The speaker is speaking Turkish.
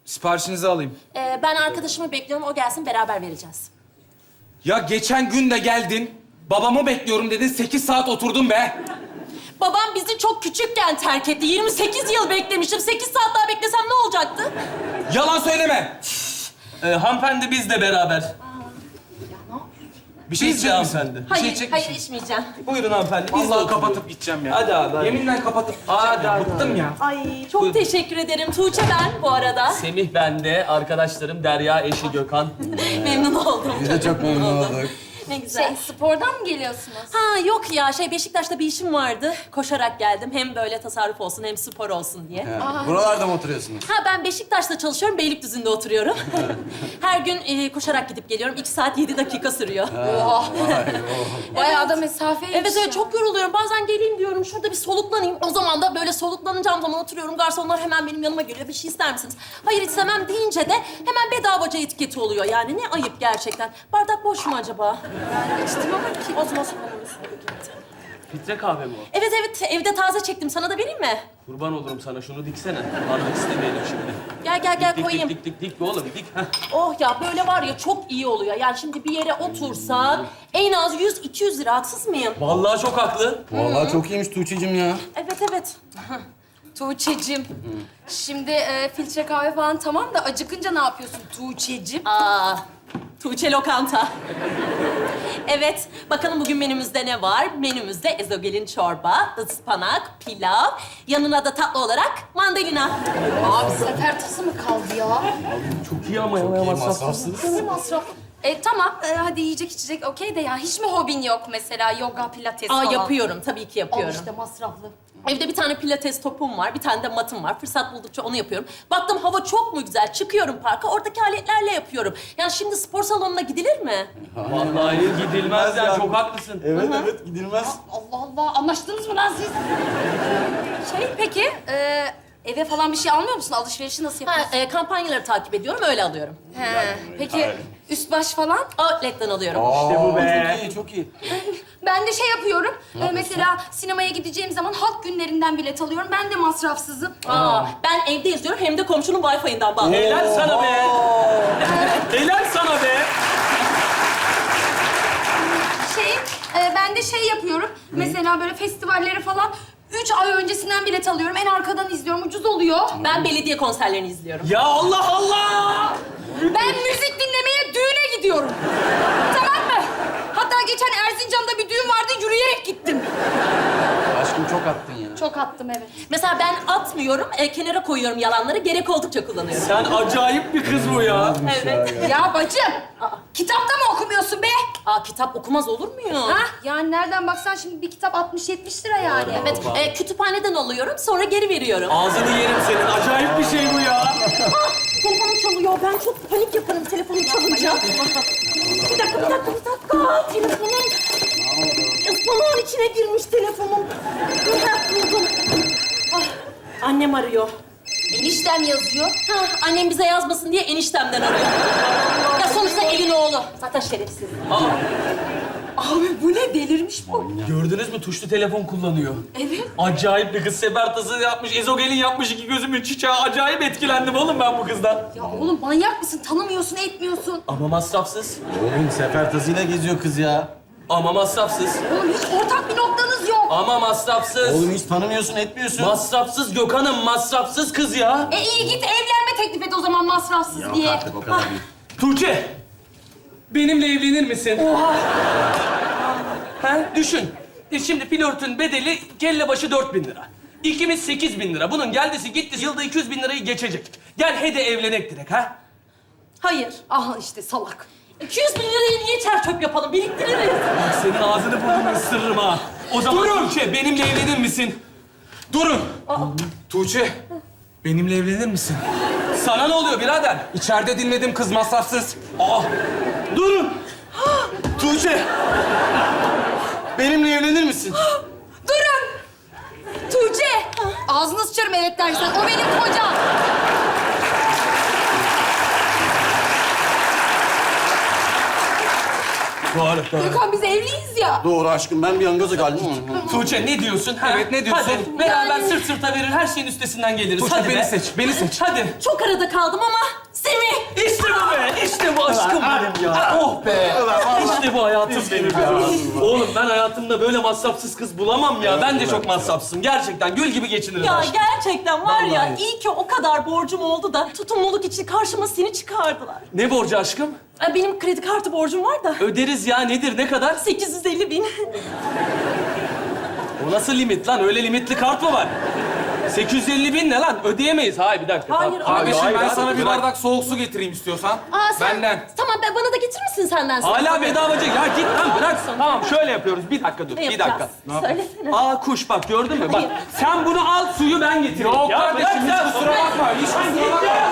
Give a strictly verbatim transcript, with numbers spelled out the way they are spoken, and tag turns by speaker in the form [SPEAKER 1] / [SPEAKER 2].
[SPEAKER 1] Siparişinizi alayım.
[SPEAKER 2] Ee, ben arkadaşımı bekliyorum. O gelsin beraber vereceğiz.
[SPEAKER 1] Ya geçen gün de geldin. Babamı bekliyorum dedin. Sekiz saat oturdum be.
[SPEAKER 2] Babam bizi çok küçükken terk etti. yirmi sekiz yıl beklemiştim. sekiz saat daha beklesem ne olacaktı?
[SPEAKER 1] Yalan söyleme.
[SPEAKER 3] Ee, hanımefendi biz de beraber.
[SPEAKER 1] Bir şey
[SPEAKER 3] Biz de
[SPEAKER 1] içecek misin?
[SPEAKER 3] hanımefendi.
[SPEAKER 1] Bir şey
[SPEAKER 2] Hayır,
[SPEAKER 1] içecek
[SPEAKER 2] hayır
[SPEAKER 1] misin?
[SPEAKER 2] içmeyeceğim.
[SPEAKER 3] Buyurun hanımefendi. Biz de
[SPEAKER 1] Vallahi
[SPEAKER 3] oturuyoruz.
[SPEAKER 1] kapatıp gideceğim ya.
[SPEAKER 3] Hadi abi, hadi.
[SPEAKER 1] Yeminle kapatıp gideceğim
[SPEAKER 3] Hadi,
[SPEAKER 1] ya.
[SPEAKER 3] hadi,
[SPEAKER 1] Bıktım ya.
[SPEAKER 2] Ay çok
[SPEAKER 3] Buyurun.
[SPEAKER 2] teşekkür ederim. Tuğçe ben bu arada.
[SPEAKER 3] Semih bende, arkadaşlarım Derya, eşi Gökhan.
[SPEAKER 2] Memnun oldum.
[SPEAKER 4] Biz de çok memnun olduk.
[SPEAKER 2] Ne güzel.
[SPEAKER 5] Şey, spordan mı geliyorsunuz?
[SPEAKER 2] Ha yok ya şey Beşiktaş'ta bir işim vardı. Koşarak geldim. Hem böyle tasarruf olsun hem spor olsun diye.
[SPEAKER 4] Ha, buralarda mı oturuyorsunuz?
[SPEAKER 2] Ha ben Beşiktaş'ta çalışıyorum. Beylikdüzü'nde oturuyorum. Her gün e, koşarak gidip geliyorum. İki saat yedi dakika sürüyor.
[SPEAKER 5] Oha.
[SPEAKER 4] Vay, oh.
[SPEAKER 5] Bayağı da mesafeymiş
[SPEAKER 2] Evet
[SPEAKER 5] ya.
[SPEAKER 2] evet çok yoruluyorum. Bazen geleyim diyorum şurada bir soluklanayım. O zaman da böyle soluklanacağım zaman oturuyorum. Garsonlar hemen benim yanıma geliyor. Bir şey ister misiniz? Hayır istemem deyince de hemen bedavaca etiketi oluyor. Yani ne ayıp gerçekten. Bardak boş mu acaba?
[SPEAKER 5] Ben içtim ama ki...
[SPEAKER 2] O zaman soralım.
[SPEAKER 3] Filtre kahve mi o?
[SPEAKER 2] Evet evet evde taze çektim. Sana da vereyim mi?
[SPEAKER 3] Kurban olurum sana, şunu diksene. Bardak istemeyelim şimdi.
[SPEAKER 2] Gel gel gel
[SPEAKER 3] Dik,
[SPEAKER 2] koyayım.
[SPEAKER 3] dik, dik, dik, dik, oğlum, dik. Heh.
[SPEAKER 2] Oh ya böyle var ya çok iyi oluyor. Yani şimdi bir yere otursak en az yüz iki yüz lira haksız mıyım?
[SPEAKER 3] Vallahi çok haklı.
[SPEAKER 4] Vallahi çok iyiymiş Tuğçe'cim ya.
[SPEAKER 2] Evet evet.
[SPEAKER 5] Tuğçe'cim. Şimdi e, filtre kahve falan tamam da acıkınca ne yapıyorsun Tuğçe'cim?
[SPEAKER 2] Aa, Tuğçe Lokanta. Evet, bakalım bugün menümüzde ne var? Menümüzde ezogelin çorba, ıspanak, pilav, yanına da tatlı olarak mandalina.
[SPEAKER 5] Abi sefer tası mı kaldı ya?
[SPEAKER 3] Çok iyi ama ya.
[SPEAKER 4] İyi
[SPEAKER 3] masrafsız.
[SPEAKER 4] masrafsız.
[SPEAKER 5] Ne masraf? E tamam, e, hadi yiyecek içecek okey de ya hiç mi hobin yok mesela yoga, pilates
[SPEAKER 2] Aa,
[SPEAKER 5] falan?
[SPEAKER 2] yapıyorum, tabii ki
[SPEAKER 5] Al
[SPEAKER 2] yapıyorum.
[SPEAKER 5] işte masraflı.
[SPEAKER 2] Evde bir tane pilates topum var, bir tane de matım var. Fırsat buldukça onu yapıyorum. Baktım hava çok mu güzel, çıkıyorum parka, oradaki aletlerle yapıyorum. Yani şimdi spor salonuna gidilir mi?
[SPEAKER 3] Vallahi gidilmez ya, çok haklısın.
[SPEAKER 4] Evet evet gidilmez.
[SPEAKER 5] Allah Allah, anlaştınız mı lan siz? Şey peki, e, eve falan bir şey almıyor musun? Alışverişi nasıl
[SPEAKER 2] Ha,
[SPEAKER 5] yapıyorsun?
[SPEAKER 2] e, kampanyaları takip ediyorum, öyle alıyorum.
[SPEAKER 5] He, peki üst baş falan?
[SPEAKER 2] Outlet'ten alıyorum.
[SPEAKER 3] İşte bu be.
[SPEAKER 4] Çok iyi çok iyi.
[SPEAKER 5] Ben de şey yapıyorum. e, mesela sinemaya gideceğim zaman halk günlerinden bilet alıyorum. Ben de masrafsızım.
[SPEAKER 2] Aa, ben evde izliyorum hem de komşunun Wi-Fi'inden bağlıyorum.
[SPEAKER 3] Helal sana be. Helal sana be.
[SPEAKER 5] Şey, e, ben de şey yapıyorum. Mesela böyle festivallere falan üç ay öncesinden bilet alıyorum. En arkadan izliyorum. Ucuz oluyor.
[SPEAKER 2] Ben belediye konserlerini izliyorum.
[SPEAKER 3] Ya Allah Allah.
[SPEAKER 5] Ben müzik dinlemeye düğüne gidiyorum. Tamam mı? Hatta geçen Erzincan'da bir düğün vardı. Yürüyerek gittim.
[SPEAKER 4] Aşkım çok attın ya.
[SPEAKER 5] Çok attım evet.
[SPEAKER 2] Mesela ben atmıyorum, e, kenara koyuyorum yalanları. Gerek oldukça kullanıyorum.
[SPEAKER 3] Sen acayip bir kız bu ya.
[SPEAKER 2] Evet.
[SPEAKER 5] Ya bacım, kitapta mı okumuyorsun be?
[SPEAKER 2] Aa, kitap okumaz olur muyum?
[SPEAKER 5] Ha? Yani nereden baksan şimdi bir kitap altmış yetmiş lira yani.
[SPEAKER 2] Evet, e, kütüphaneden alıyorum, sonra geri veriyorum.
[SPEAKER 3] Ağzını yerim senin. Acayip bir şey bu ya.
[SPEAKER 2] Telefonum çalıyor, ben çok panik yaparım telefonum çalınca. Bir dakika, bir dakika, bir dakika. Telefonum... Ispanağın içine girmiş telefonum. Dur, ha, buldum. Ah, annem arıyor.
[SPEAKER 5] Eniştem yazıyor.
[SPEAKER 2] Ha, annem bize yazmasın diye eniştemden arıyor. Ya sonuçta elin oğlu. Zaten şerefsiz.
[SPEAKER 5] Abi bu ne? Delirmiş bu.
[SPEAKER 3] Gördünüz mü? Tuşlu telefon kullanıyor.
[SPEAKER 5] Evet.
[SPEAKER 3] Acayip bir kız. Sebertası yapmış, ezogelin yapmış, iki gözümün çiçeği. Acayip etkilendim oğlum ben bu kızdan.
[SPEAKER 5] Ya oğlum manyak mısın? Tanımıyorsun, etmiyorsun.
[SPEAKER 3] Ama masrafsız.
[SPEAKER 4] Oğlum sefer tasıyla geziyor kız ya.
[SPEAKER 3] Ama masrafsız.
[SPEAKER 5] Oğlum hiç ortak bir noktanız yok.
[SPEAKER 3] Ama masrafsız.
[SPEAKER 4] Oğlum hiç tanımıyorsun etmiyorsun.
[SPEAKER 3] Masrafsız Gökhan'ım, masrafsız kız ya.
[SPEAKER 5] E iyi git evlenme teklif et o zaman masrafsız
[SPEAKER 4] Yok
[SPEAKER 5] diye.
[SPEAKER 4] artık o kadar değil.
[SPEAKER 3] Tuğçe, benimle evlenir misin? Oha! Ha, düşün. E şimdi flörtün bedeli kelle başı dört bin lira. İkimiz sekiz bin lira. Bunun geldisi gitti yılda iki yüz bin lirayı geçecek. Gel hadi evlenek direkt ha.
[SPEAKER 2] Hayır.
[SPEAKER 5] Aha işte salak.
[SPEAKER 2] iki yüz bin lirayı niye çer çöp yapalım? Biriktiririz.
[SPEAKER 3] Bak senin ağzını burnunu ısırırım ha. O zaman Tuğçe benimle evlenir misin?
[SPEAKER 1] Durun. Tuğçe, benimle evlenir misin?
[SPEAKER 3] Sana ne oluyor birader?
[SPEAKER 1] İçeride dinledim kız masrafsız.
[SPEAKER 3] Aa, durun.
[SPEAKER 4] Tuğçe. Benimle evlenir misin?
[SPEAKER 5] Durun! Tuğçe! Ağzını sıçarım evet dersen. O benim kocam.
[SPEAKER 3] Doğru, doğru.
[SPEAKER 5] Gökhan biz evliyiz ya.
[SPEAKER 4] Doğru aşkım, ben bir an gaza geldim.
[SPEAKER 3] Tuğçe ne diyorsun? Ha?
[SPEAKER 1] Evet, ne diyorsun?
[SPEAKER 3] Hadi beraber sırt sırta verir, her şeyin üstesinden geliriz.
[SPEAKER 1] Tuğçe,
[SPEAKER 3] Hadi
[SPEAKER 1] beni
[SPEAKER 3] be.
[SPEAKER 1] seç, beni seç.
[SPEAKER 3] Hadi.
[SPEAKER 2] Çok arada kaldım ama Semih.
[SPEAKER 3] İşte bu be, işte bu aşkım benim ya. Oh be. İşte bu hayatım benim ya. Oğlum ben hayatımda böyle masrafsız kız bulamam ya. Ben de çok masrafsızım. Gerçekten gül gibi geçiniriz
[SPEAKER 2] Ya
[SPEAKER 3] aşkım.
[SPEAKER 2] gerçekten var ya
[SPEAKER 3] Vallahi.
[SPEAKER 2] iyi ki o kadar borcum oldu da tutumluluk için karşıma seni çıkardılar.
[SPEAKER 3] Ne borcu aşkım?
[SPEAKER 2] Ay, benim kredi kartı borcum var da
[SPEAKER 3] Öderiz ya. Nedir, ne kadar?
[SPEAKER 2] sekiz yüz elli bin.
[SPEAKER 3] O nasıl limit lan? Öyle limitli kart mı var? sekiz yüz elli bin ne lan? Ödeyemeyiz. Hayır bir dakika.
[SPEAKER 2] Hayır,
[SPEAKER 3] Tamam.
[SPEAKER 1] Kardeşim
[SPEAKER 3] hayır,
[SPEAKER 1] ben
[SPEAKER 3] hayır,
[SPEAKER 1] sana bir
[SPEAKER 3] bırak.
[SPEAKER 1] bardak soğuk su getireyim istiyorsan.
[SPEAKER 2] Aa, sen,
[SPEAKER 1] Benden.
[SPEAKER 2] Tamam ben, bana da getirir misin senden?
[SPEAKER 3] Hala bedavacı. Ya git lan bırak. Tamam şöyle yapıyoruz. Bir dakika dur.
[SPEAKER 2] Ne
[SPEAKER 3] Bir
[SPEAKER 2] yapacağız?
[SPEAKER 3] dakika.
[SPEAKER 2] Söylesene.
[SPEAKER 3] Aa kuş bak gördün mü? Bak sen bunu al suyu ben getireyim.
[SPEAKER 1] Yok
[SPEAKER 3] Ya
[SPEAKER 1] kardeşim
[SPEAKER 3] bırak
[SPEAKER 1] hiç
[SPEAKER 3] ya.
[SPEAKER 1] kusura bakma. Hiç kusura bakma.